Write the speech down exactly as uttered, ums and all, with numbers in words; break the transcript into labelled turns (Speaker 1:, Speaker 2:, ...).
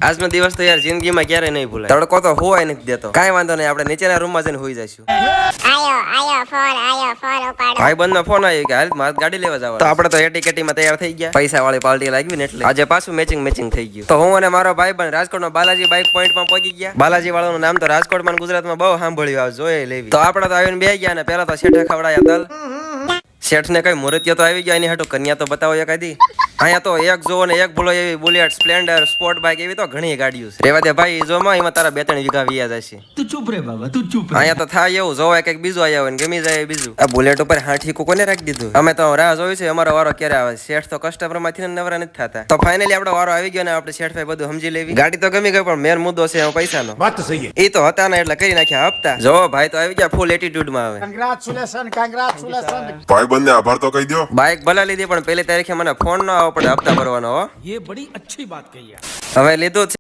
Speaker 1: આજનો દિવસ તો યાર જિંદગીમાં ક્યારે નહીં ભૂલાય. તડકો તો હોવાય નથી દેતો. કાંઈ વાંધો નહીં, આપણે નીચેના રૂમમાં જઈને હોઈ જઈશું.
Speaker 2: આયો આયો ફોન આયો ફોન ઉપાડો.
Speaker 1: ભાઈ બંધ નો ફોન આવ્યો કે હાલ મારે ગાડી લેવા જવા. તો આપણે તો એટી કેટીમાં તૈયાર થઈ ગયા. પૈસા વાળી પાર્ટી લાગવી ને એટલે આજે પાછું મેચિંગ મેચિંગ થઈ ગયું. તો હું અને મારો ભાઈ બંધ રાજકોટનો બાલાજી બાઇક પોઈન્ટમાં પહોંચી ગયા. બાલાજી વાળાનું નામ તો રાજકોટમાં ગુજરાતમાં બહુ સાંભળ્યું, આવે જોઈ લેવી. તો આપણે તો આવીને બે ગયા ને પેલા તો શેઠે ખવડાયા તલ. શેઠ ને કઈ મુહૂર્તિયો તો આવી ગયા, એની હાટુ કન્યા તો બતાવો એકાદી. અહીંયા તો એક જોવો ને એક ભૂલો એવી બુલેટ સ્પ્લેન્ડર સ્પોર્ટ બાઇક એવી તો ઘણી ગાડીઓ છે. રેવા દે ભાઈ, જોમાં એમાં તારા બે ત્રણ વીઘા વિયા જશે.
Speaker 3: તું ચૂપ રે બાબા, તું ચૂપ.
Speaker 1: અહીંયા તો થાય એવું જોવાય કઈક બીજું આવ્યા હોય ને ગમી જાય બીજું. આ બુલેટ ઉપર હાથી કોને રાખી દીધું. અમે તો રાહ જોઈ છે અમારો વારો ક્યારે આવે. શેઠ તો કસ્ટમર માંથી નવરા નથી થતા. તો ફાઇનલી આપણો વારો આવી ગયો ને આપણે શેઠ ભાઈ બધું સમજી લેવી. ગાડી તો ગમી ગઈ પણ મેન મુદ્દો છે પૈસાનો.
Speaker 3: વાત તો સહી.
Speaker 1: એ તો હતા ને એટલે કરી નાખ્યા હપ્તા. જો ભાઈ તો આવી ગયા ફૂલ એટીટ્યુડમાં આવે.
Speaker 3: Congratulation congratulation.
Speaker 4: ભાઈ બંને આભાર તો કહી દો.
Speaker 1: બાઇક ભલા લીધી પણ પેલી તારીખે મને ફોન ન આવવો પડે હપ્તા ભરવાનો. હો
Speaker 3: ये बड़ी अच्छी बात कही है.
Speaker 1: હવે લીધું